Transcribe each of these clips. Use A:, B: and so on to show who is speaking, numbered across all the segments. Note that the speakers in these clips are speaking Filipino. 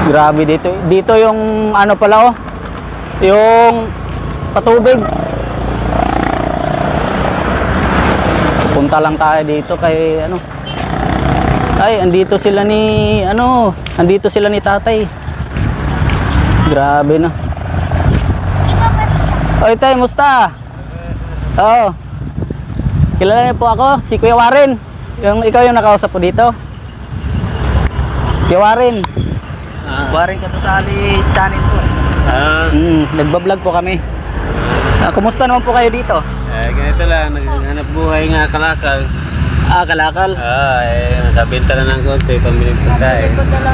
A: Grabe dito. Dito yung ano pala oh. Yung patubig. Punta lang tayo dito kay ano. Ay, andito sila ni ano, andito sila ni tatay. Grabe na. Oy, tay, musta? Oo. Kilala niyo po ako, si Kuya Warren. Ikaw yung nakausap po dito. Kuya Warren. Warren Katusali channel po. Nagbablog po kami. Kumusta naman po kayo dito?
B: Ganito lang, naghanap buhay nga kalakal.
A: Kalakal.
B: Nakabenta na ng konti, pambiling pagkain.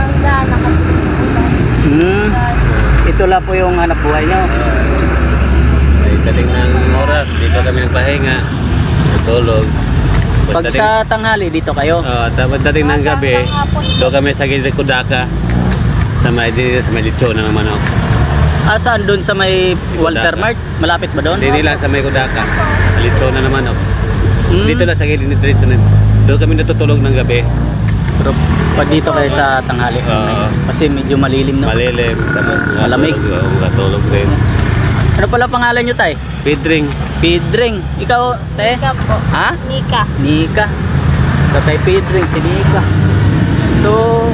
A: Ito lang po yung hanap buhay nyo.
B: May dating ng oras, dito kami nagpahinga, tulog.
A: Pag sa tanghali, dito kayo?
B: Tapos dating ng gabi, doon kami sa gilid Kudaka. Sa may lechon na naman ako.
A: Saan doon sa may Walter Mart? Malapit ba doon?
B: Hindi lang sa may Kudaka. Lechon na naman ako. Dito lang sa gilid ni Diretso na. Doon kami natutulog ng gabi.
A: Pero pag dito kayo sa tanghali, kasi medyo malilim na.
B: Malilim.
A: Malamig.
B: Matulog din.
A: Ano pala pangalan nyo, tay?
B: Pedring.
A: Pedring. Ikaw, te?
C: Nika po.
A: Ha?
C: Nika.
A: Nika. Tatay Pedring, si Nika. So,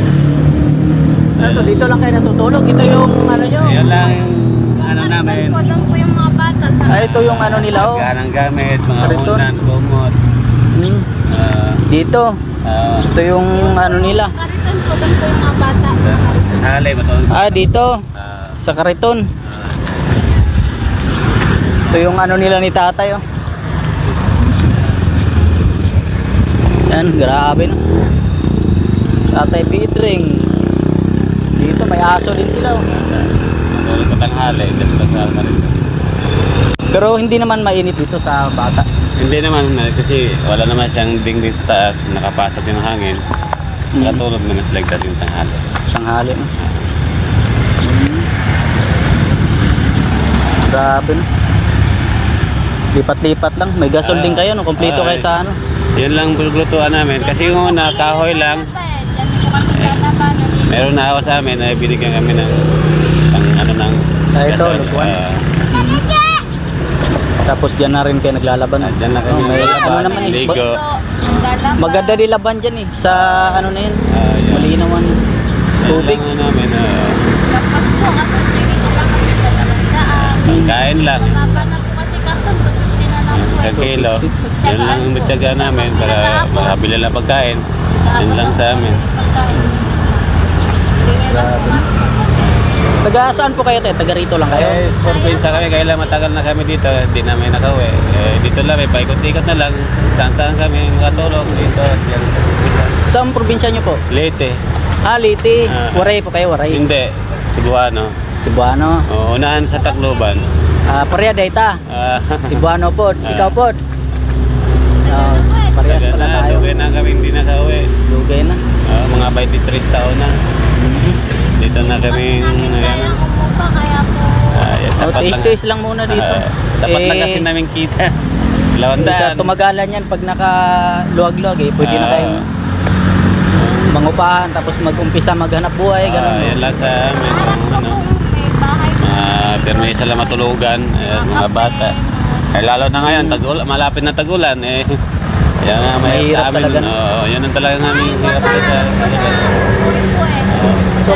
A: ano, dito lang kayo natutulog. Ito yung ano nyo.
B: Yan lang yung ano namin.
C: Doon po yung mga bata.
A: Ito yung ano nila, oh.
B: Ganang gamit, mga
A: Kariton.
B: unan, kumot.
A: Dito. Ito yung ano nila.
C: Kariton po, doon po yung mga bata.
B: Halay, matulog.
A: Dito. Sa Kariton. Ito yung ano nila ni tatay, oh. Yan, grabe no. Tatay Pedring. Dito may aso din sila, oh.
B: Matulog pa tanghali, dito sa Kariton.
A: Pero hindi naman mainit dito sa bata.
B: Hindi naman, kasi wala naman siyang dingding sa taas, nakapasok yung hangin. Nakatulog naman sila dating tanghali.
A: Tanghali, no. Grabe no. Lipat-lipat lang. May gasol din kayo, no? Kompleto kayo sa ano.
B: Yun lang bulglutuan namin. Kasi yung una, kahoy lang. Meron na awa sa amin, binigyan kami ng ano ng
A: Ito,
B: gasol.
A: lupuan. Tapos dyan na rin kayo naglalaban.
B: Dyan na kami
A: may
B: naglalaban,
A: ano naman,
B: ligo.
A: maganda din laban dyan eh. Sa ano na yun.
B: Yan.
A: Malinaw ang tubig.
B: Yan lang namin.
C: Lapas po, kasi dito lang kami sa talandaan.
B: Kain lang.
C: Baba na po kasi karton, tututin na lang po.
B: Isang kilo. Yun lang ang matyaga namin para makabili lang pagkain. Yun lang sa amin.
A: Grabe. Taga saan po kayo tayo? Taga rito lang kayo?
B: Probinsya kami, kaya lang matagal na kami dito. Hindi namin nakauwi. Dito lang, may paikot-ikot na lang. Saan-saan kami makatulog dito.
A: Saan probinsya nyo po?
B: Leyte.
A: Leyte. Waray po kayo, Waray.
B: Hindi. Cebuano.
A: Cebuano.
B: Unahan sa Tacloban.
A: Pareha dayta. Cebuano po. Ikaw po. Parehas
B: Tagal
A: pala
B: na,
A: tayo.
B: lugay na kami hindi nakauwi.
A: Lugay na.
B: Mga 23 taon na. Dito na kami.
C: Kaya umupa, kaya po.
B: Sapat lang.
A: Taste lang muna dito.
B: Tapat lang kasi namin kita.
A: Sa tumagalan yan, pag nakaluwag-luwag pwede na kayong mangupahan, tapos mag-umpisa maghanap buhay, gano'n.
B: Yan lang sa amin. Ano,
C: May bahay po.
B: permisa lang matulugan. Mga bata. Lalo na ngayon, malapit na tagulan. Yan nga, may
A: Mahirap
B: sa amin.
A: talaga.
B: Yun ang talagang aming hirap sa
A: So,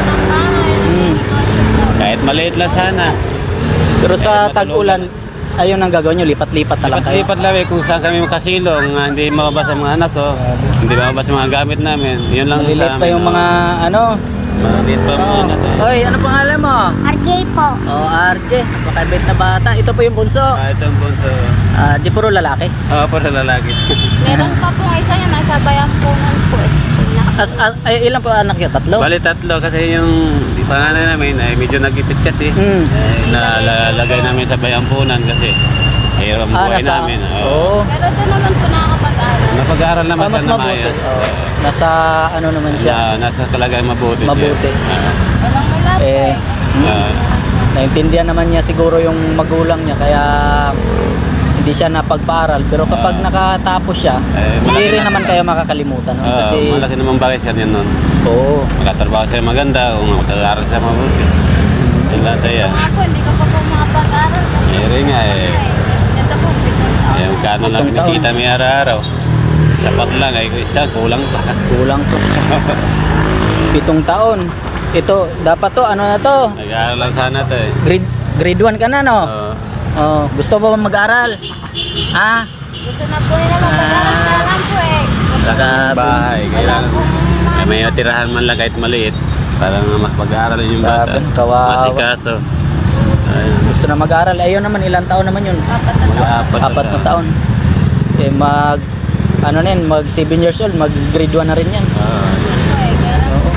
B: kahit maliit lang sana.
A: pero sa tag-ulan, ayun ang gagawin nyo, lipat-lipat na lang kayo.
B: Lipat lang kung saan kami makasilong, hindi mababasa ang mga anak ko, hindi mababasa ang mga gamit namin. Yun lang
A: Malilit
B: sa
A: pa yung mga ano.
B: Maliit pa mga anak ko.
A: Hoy, ano pangalan mo?
C: RJ po.
A: RJ, napakabait na bata. Ito po yung bunso.
B: Ito ang punto.
A: Di puro lalaki.
B: Para sa lalaki.
C: Meron pa po isa yung nasa bayampungan po.
A: Ilan po anak yun? Tatlo?
B: Bali tatlo kasi yung pangalan namin ay medyo nagipit kasi. Nalalagay namin sa bayampunan kasi hirap ang buhay namin.
A: Oo.
C: Pero doon naman po nakakapag-aral.
B: Napag-aaral naman
A: Mas
B: siya na
A: mabuti.
B: maayos.
A: Nasa ano naman siya.
B: Nasa talagang mabuti siya.
A: Mabuti.
C: Walang wala po
A: Eh, naintindihan naman niya siguro yung magulang niya, kaya hindi siya napagpaaral. Pero kapag nakatapos siya, hindi
B: malaki
A: rin
B: na-
A: naman kayo makakalimutan. No? Kasi,
B: malaki naman bagay siya yan nun.
A: oo.
B: Magkatrabaho siya maganda, kung magkakaroon siya mabuti. Yan lang sa'yo.
C: Kung ako, hindi ko pa po makapag-aral. Kasi
B: Eh, rin nga eh.
C: ito po, 7 taon.
B: Eh, kano lang
A: Pitong taon.
B: kinikita may araw-araw. Sapat lang, ay isa, kulang pa.
A: Kulang to. 7 taon. Ito, dapat to, ano na to?
B: Nag-aaral lang sana to eh.
A: Grade 1 ka na, no?
B: Oo.
A: Oh, gusto mo ba mag-aral? Ha?
C: Gusto na po nila mag-aral na lang po eh.
B: Sa bahay,
C: Wala
B: kailangan.
C: pong
B: Eh, may natirahan man lang kahit maliit. Para mas mag-aaral yung bata.
A: Grabe, kawawa.
B: Masikaso. Ayun.
A: Gusto na mag-aral. Ayun naman, ilang taon naman yun?
C: apat na taon.
A: Apat na taon. Eh, ano na yan, mag 7 years old, mag grade 1 na rin yan.
C: Po eh, kaya lang
A: Oo.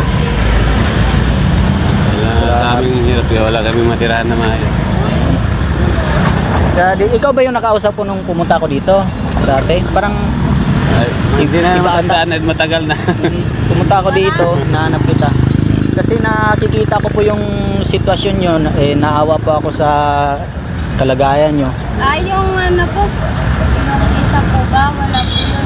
B: Sa aming hirap, kaya wala kaming matirahan na maayos.
A: Kaya, ikaw ba yung nakausap ko nung pumunta ako dito? Dati? Parang
B: Ay, hindi na
A: Iba ata.
B: matandaan at matagal na.
A: pumunta ako dito, nahanap kita. Kasi nakikita ko po yung sitwasyon nyo, naawa po ako sa kalagayan nyo.
C: yung ano po, yung isa po ba, wala po yun.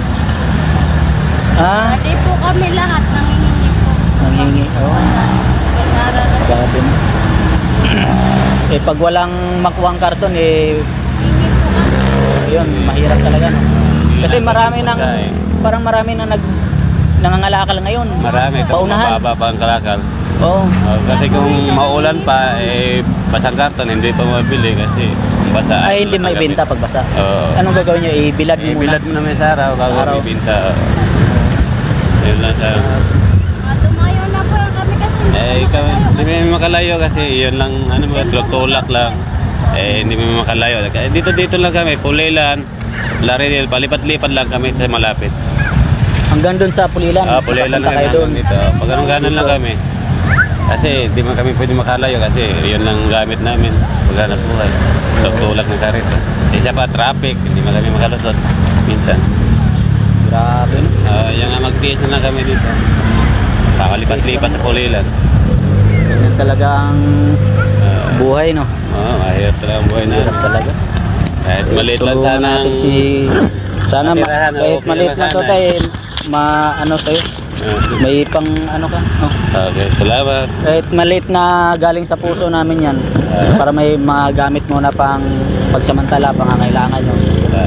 A: Ha?
C: Hindi po kami lahat nangihingi po.
A: Nanghingi. Oo.
C: Nag-aaral na.
A: Grabe na. Eh, pag walang makuhang karton,
C: Hingi po kami.
A: yun, mahirap talaga. No? Kasi marami nang,
B: Pagkain.
A: parang marami nang nangangalakal ngayon.
B: Marami, kapag
A: Paunahan.
B: mababa pa ang kalakal.
A: Oo.
B: Kasi kung maulan pa, eh, basang karton, hindi pa mabili kasi basa.
A: Ay, hindi may benta pag basa.
B: Oo.
A: Anong gagawin nyo? Ibilad mo
B: Eh,
A: muna.
B: bilad mo naman sa araw bago
A: Araw.
B: may binta. Yun lang sa...
C: Tumayo na po kami kasi.
B: Eh, ikaw, hindi mo makalayo kasi yun lang, ano ba, tulak lang. Eh, hindi mo makalayo. Dito lang kami, Pulilan, Larinil, palipat-lipat lang kami sa malapit.
A: Hanggang doon sa Pulilan.
B: Pulilan
A: Papunta
B: lang
A: kayo doon.
B: hanggang dito. Pag anong ganon lang kami. Kasi di man kami pwede makalayo kasi yun lang gamit namin. Paghanap buhay. Tulak ng karito. Isa pa, traffic. Hindi man kami makalusot. Minsan.
A: Grabe. No?
B: Yung nga magtiis na lang kami dito. Pakalipat-lipat sa Pulilan.
A: Ganyan talaga ang buhay, no?
B: Mahirap talaga ang buhay namin.
A: Talaga.
B: Kahit maliit lang
A: Tulungan
B: sana.
A: natin si... Sana
B: matirahan,
A: kahit
B: okay
A: maliit
B: naman
A: lang to
B: sana.
A: tayo, ano sa'yo, may pang ano ka, no?
B: Okay, salamat.
A: Kahit maliit na galing sa puso namin yan, para may magamit mo na pang pagsamantala, pangangailangan nyo.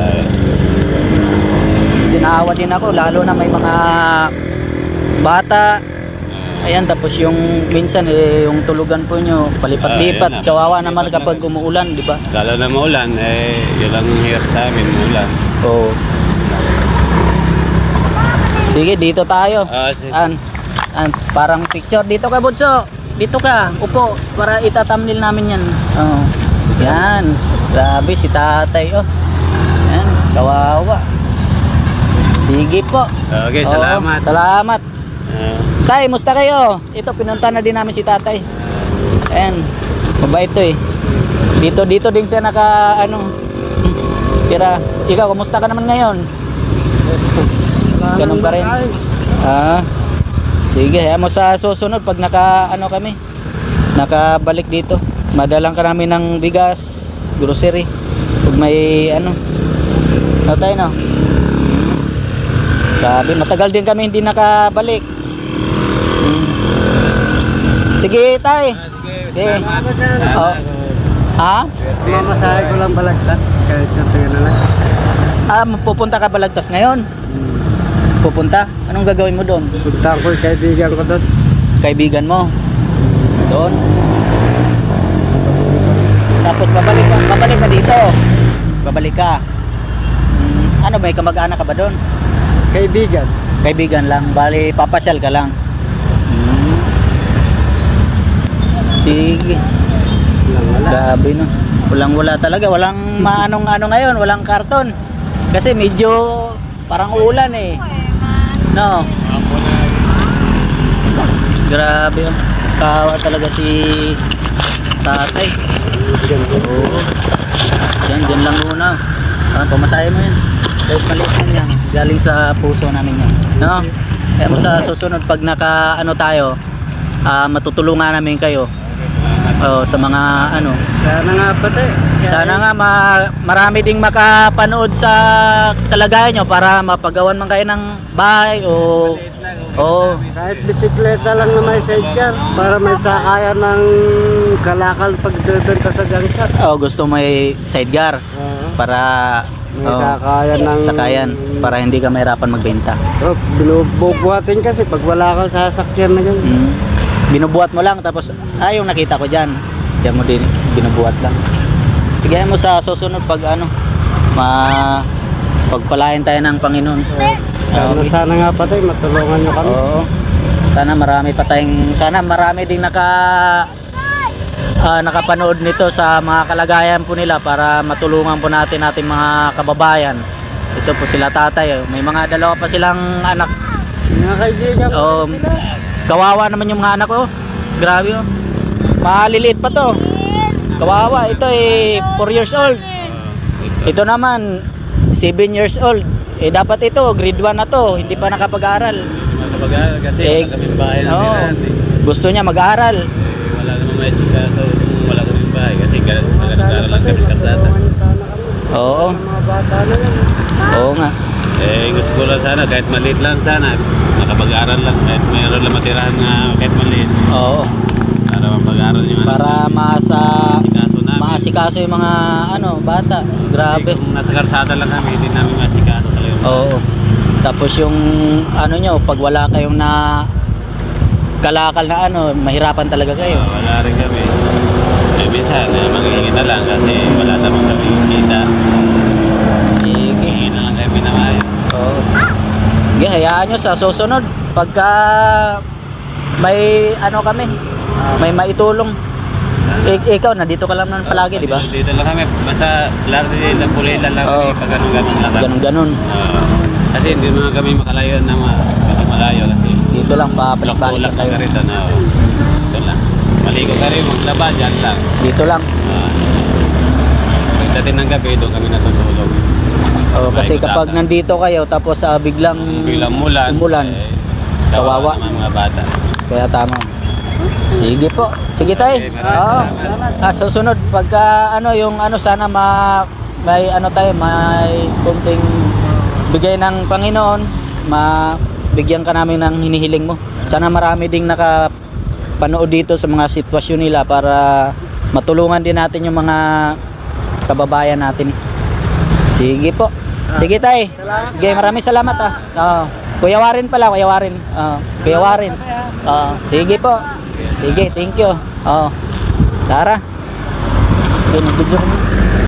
A: Sinaawa din ako, lalo na may mga bata. Ayan, tapos yung minsan yung tulugan po nyo, palipat-lipat.
B: Ayan na,
A: Kawawa naman
B: palipat
A: kapag umuulan, di ba?
B: Lalo na maulan, eh, yun lang ang hirap sa amin, maulan.
A: Oo. Sige, dito tayo.
B: Sige.
A: Parang picture. Dito ka, Bunso. Dito ka. Upo. Para itatamnil namin yan. Oh. Yan. Grabe, si tatay. Oh. Yan. Kawawa. Sige po.
B: Okay,
A: Oo,
B: salamat.
A: Salamat. Tay, musta kayo? Ito, pinunta na din namin si tatay. Ayan. Mabait to eh. Dito din siya tira. Ikaw, kumusta ka naman ngayon? Ganun pa rin. Sige, hayaan mo sa susunod pag nakabalik dito. Madalang ka namin ng bigas, grocery. Pag may tayo no. Sabi, matagal din kami hindi nakabalik. Sige, tay. Sige. Oh. Ha?
D: Mamasahe ko lang balagtas kahit natin na lang.
A: Pupunta ka Balagtas ngayon? Pupunta? Anong gagawin mo doon?
D: Punta ko yung kaibigan ko doon.
A: Kaibigan mo? Doon? Tapos babalik ka dito? Babalik ka? Ano, may kamag-anak ka ba doon?
D: Kaibigan.
A: Kaibigan lang, bali papasyal ka lang. Sige.
D: Wala.
A: Grabe no. Walang-wala talaga, walang maanong-ano ngayon, walang karton. Kasi medyo parang ulan eh. No. Grabe oh. Kawa talaga si tatay. Oo. Diyan lang muna. Parang pamasahe mo yan. Kahit maliit lang yan. Galing sa puso namin yan. No? Kaya mo sa susunod pag tayo, matutulungan namin kayo. Sa mga ano.
D: Sana nga patay.
A: Sana nga marami ding makapanood sa kalagayan nyo para mapagawan man kayo ng bahay o
D: Kahit bisikleta lang na may sidecar para may sakayan ng kalakal pagdadanta sa gangsat.
A: gusto may sidecar para
D: May sakayan ng...
A: sakayan para hindi ka mahirapan magbenta.
D: Binubuhatin kasi pag wala kang sasakyan na ganyan.
A: Binubuhat mo lang tapos yung nakita ko diyan. Diyan mo din binubuhat lang. Tigyan mo sa susunod pag pagpalain tayo ng Panginoon.
D: Sana nga patay, matulungan nyo kami.
A: Oo. Sana marami ding nakapanood nito sa mga kalagayan po nila para matulungan po natin ating mga kababayan. Ito po sila tatay. May mga dalawa pa silang anak.
D: Mga kaibigan ko sila.
A: Kawawa naman yung mga anak ko. Grabe oh. Maliliit pa to. Kawawa. Ito 4 years old. Ito naman 7 years old. Dapat ito grade 1 na to. Hindi pa nakapag-aral.
B: Makapag-aaral kasi wala kami bahay na tirahan eh.
A: Gusto niya mag-aral.
B: Wala naman may sikaso kung wala kami bahay kasi nag-aaral lang kami sa kalsada.
A: Oo.
D: Mga bata na yan.
A: Oo nga.
B: Gusto ko lang sana kahit maliit lang sana nakapag-aaral lang kahit mayroon lang matirahan na kahit maliit
A: Oo.
B: para mapag-aaral yung
A: Para
B: sikaso namin.
A: maasikaso yung mga bata. Grabe.
B: Kasi kung nasa karsada lang kami hindi namin masikaso talaga yung
A: Oo. Tapos yung nyo, pag wala kayong na kalakal na mahirapan talaga kayo.
B: wala rin kami. Minsan manghihingi na lang kasi wala naman kami kita.
A: Sige.
B: Hihingi na lang kami na mayo.
A: Oo. Sige, hayaan nyo sa susunod. Pagka may kami, may maitulong. Ikaw, nandito ka lang naman palagi, di ba?
B: Dito lang kami. Basta laro din lang pulilan lang kami. Pag ganun-ganun lang kami.
A: Ganun-ganun.
B: Kasi hindi naman kami makalayo na malayo kasi
A: Dito lang,
B: tulak
A: papalik
B: ka
A: kayo.
B: rito na. Ito lang. Maligo ka rin, maglaba, dyan lang.
A: Dito lang.
B: Pagdating ng gabi, doon kami natutulog.
A: Kasi
B: Maligo
A: kapag
B: dagat.
A: nandito kayo, tapos biglang
B: Bilang umulan,
A: kawawa.
B: naman mga bata.
A: Kaya tama. Sige po. Sige tayo.
B: Okay, maraming salamat.
A: Susunod pagka yung sana may tayo, may kunting bigay ng Panginoon, bigyan ka namin ng hinihiling mo. Sana marami ding nakapanood dito sa mga sitwasyon nila para matulungan din natin yung mga kababayan natin. Sige po. Sige tay. Sige, maraming salamat Kuya Warren pala, Kuya Warren. Kuya Warren. Sige po. Sige, thank you. Tara. Okay, nag-video